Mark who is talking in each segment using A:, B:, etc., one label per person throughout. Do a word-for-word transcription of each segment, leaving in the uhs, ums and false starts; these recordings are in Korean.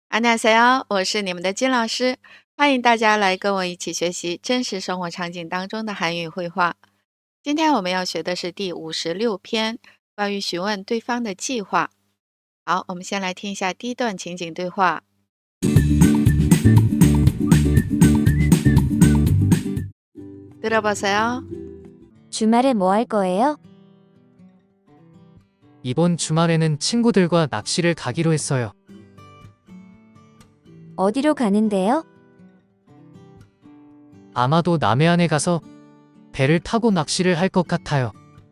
A: 안녕하세요，我是你们的金老师，欢迎大家来跟我一起学习真实生活场景当中的韩语绘画。今天我们要学的是第五十六篇，关于询问对方的计划。好，我们先来听一下第一段情景对话。들어보세요.
B: 주말에 뭐 할 거예요?
C: 이번 주말에는 친구들과 낚시를 가기로 했어요.
B: 어디로 가는데요?
C: 아마도 남해안에 가서 배를 타고 낚시를 할 것 같아요.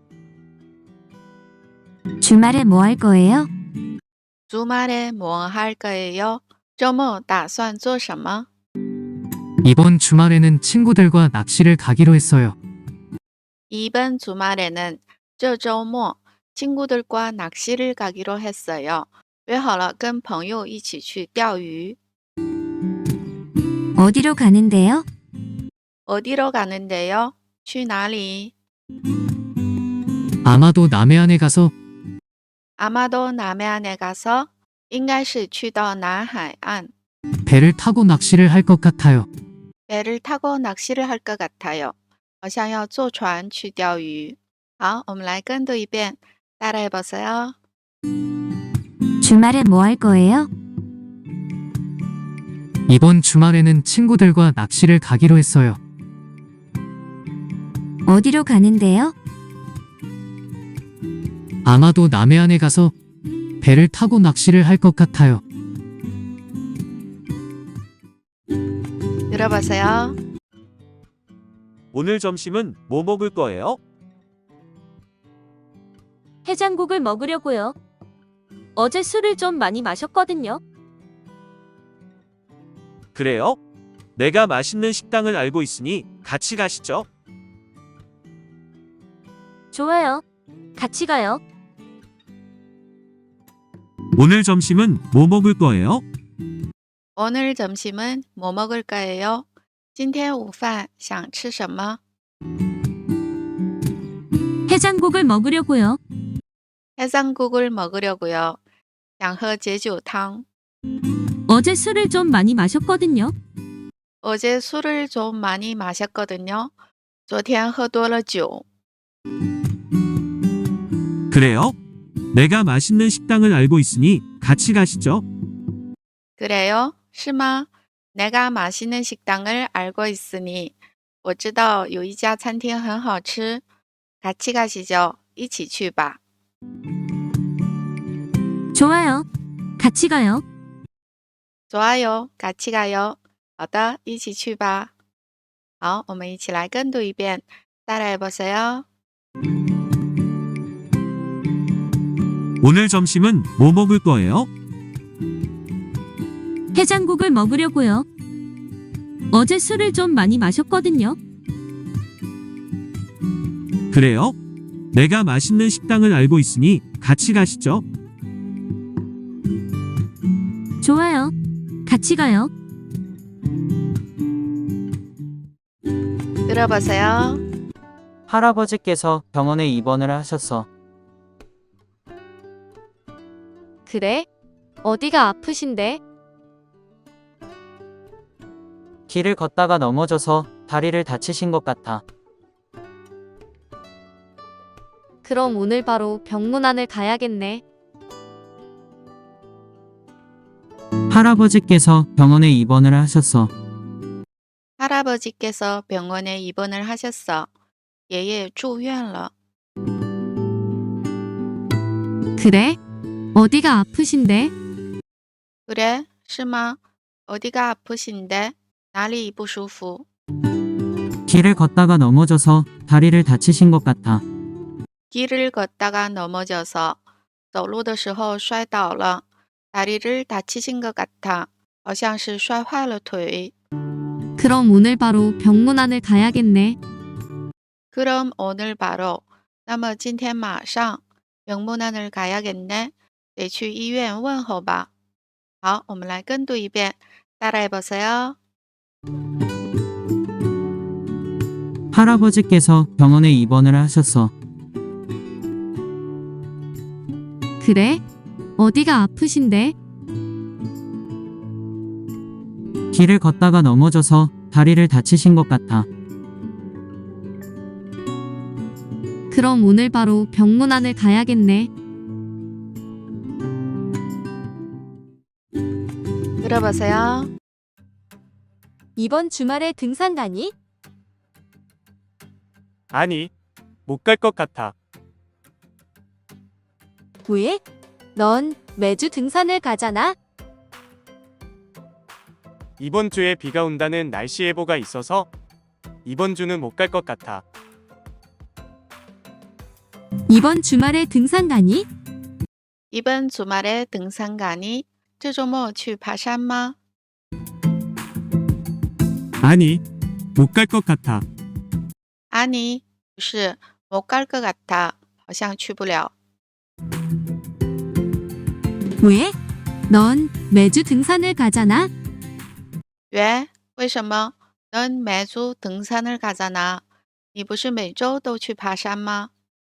B: 주말에 뭐 할 거예요?
A: 주말에 뭐 할 거예요? 周末打算做什么？
C: 이번 주말에는 친구들과 낚시를 가기로 했어요.
A: 이번 주말에는 这周末 친구들과 낚시를 가기로 했어요. 约好了跟朋友一起去钓鱼。
B: 어디로 가는데요?
A: 어디로 가는데요? 去哪里?
C: 아마도 남해안에 가서
A: 아마도 남해안에 가서 应该是去到南海岸
C: 배를 타고 낚시를 할 것 같아요.
A: 배를 타고 낚시를 할 것 같아요. 好像要坐船去钓鱼。好，我们来跟读一遍，따라해 보세요.
B: 주말에 뭐 할 거예요?
C: 이번 주말에는 친구들과 낚시를 가기로 했어요.
B: 어디로 가는데요?
C: 아마도 남해안에 가서 배를 타고 낚시를 할 것 같아요.
A: 들어보세요.
D: 오늘 점심은 뭐 먹을 거예요?
E: 해장국을 먹으려고요. 어제 술을 좀 많이 마셨거든요.
D: 그래요? 내가 맛있는 식당을 알고 있으니 같이 가시죠.
E: 좋아요. 같이 가요.
D: 오늘 점심은 뭐 먹을 거예요?
A: 오늘 점심은 뭐 먹을 거예요? 今天午饭想吃什么?
E: 해장국을 먹으려고요.
A: 해장국을 먹으려고요. 想喝解酒汤.
E: 어제 술을 좀 많이 마셨거든요.
A: 어제 술을 좀 많이 마셨거든요. 昨天喝多了酒.
D: 그래요? 내가 맛있는 식당을 알고 있으니 같이 가시죠.
A: 그래요? 是吗? 내가 맛있는 식당을 알고 있으니 我知道有一家餐厅很好吃. 같이 가시죠. 一起去吧.
E: 좋아요. 같이 가요.
A: 좋아요. 같이 가요. 好的，一起去吧. 好，我们一起来跟读一遍，따라해 보세요.
D: 오늘 점심은 뭐 먹을 거예요?
E: 해장국을 먹으려고요. 어제 술을 좀 많이 마셨거든요.
D: 그래요? 내가 맛있는 식당을 알고 있으니 같이 가시죠.
E: 좋아요. 같이 가요.
A: 들어보세요.
F: 할아버지께서 병원에 입원을 하셨어.
G: 그래? 어디가 아프신데?
F: 길을 걷다가 넘어져서 다리를 다치신 것 같아.
G: 그럼 오늘 바로 병문안을 가야겠네.
F: 할아버지께서 병원에 입원을 하셨어.
A: 할아버지께서 병원에 입원을 하셨어. 爷爷住院了.
E: 그래? 어디가 아프신데?
A: 그래? 是吗? 어디가 아프신데? 哪里不舒服?
F: 길을 걷다가 넘어져서 다리를 다치신 것 같아.
A: 길을 걷다가 넘어져서 走路的时候摔倒了. 다리를 다치신 것 같아. 好像是摔坏了腿.
E: 그럼 오늘 바로 병문안을 가야겠네.
A: 그럼 오늘 바로 那么今天马上 병문안을 가야겠네. 得去医院问候吧. 好，我们来跟读一遍， 따라해 보세요.
F: 할아버지께서 병원에 입원을 하셨어.
E: 그래? 어디가 아프신데?
F: 길을 걷다가 넘어져서 다리를 다치신 것 같아.
E: 그럼 오늘 바로 병문안을 가야겠네.
A: 들어보세요.
G: 이번 주말에 등산 가니?
H: 아니, 못 갈 것 같아.
G: 왜? 넌 매주 등산을 가잖아.
H: 이번 주에 비가 온다는 날씨 예보가 있어서 이번 주는 못 갈 것 같아.
E: 이번 주말에 등산 가니?
A: 이번 주말에 등산 가니? 这周末去爬山吗？
D: 아니, 못 갈 것 같아.
A: 아니, 不是，못 갈 것 같아，好像去不了。
E: 왜? 넌 매주 등산을 가잖아.
A: 왜？为什么？넌 매주 등산을 가잖아。你不是每周都去爬山吗？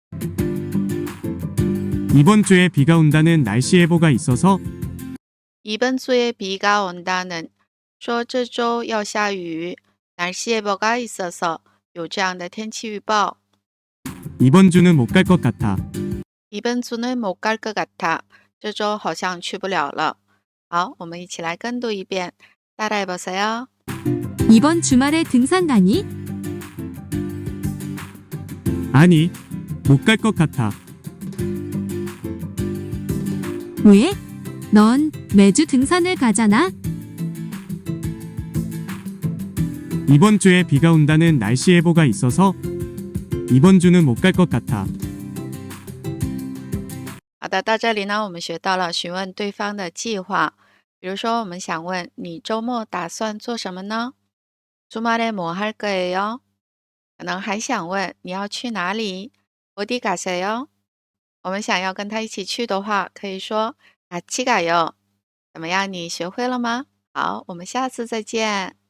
D: 이번 주에 비가 온다는 날씨 예보가 있어서
A: 이번 주에 비가 온다는 说这周要下雨， 날씨 예보가 있어서 有这样的天气预报。
D: 이번 주는 못 갈 것 같아.
A: 이번 주는 못 갈 것 같아， 这周好像去不了了。好，我们一起来跟读一遍，따라해보세요。
E: 이번 주말에 등산 가니?
D: 아니, 못 갈 것 같아.
E: 왜? 넌 매주 등산을 가잖아.
D: 이번 주에 비가 온다는 날씨 예보가 있어서 이번 주는 못 갈 것 같아.
A: 好的，到这里呢，我们学到了询问对方的计划。比如说，我们想问你周末打算做什么呢？ 주말에 뭐 할 거예요？ 可能还想问你要去哪里？ 어디 가세요？ 我们想要跟他一起去的话，可以说같이 가요。 怎么样，你学会了吗？好，我们下次再见。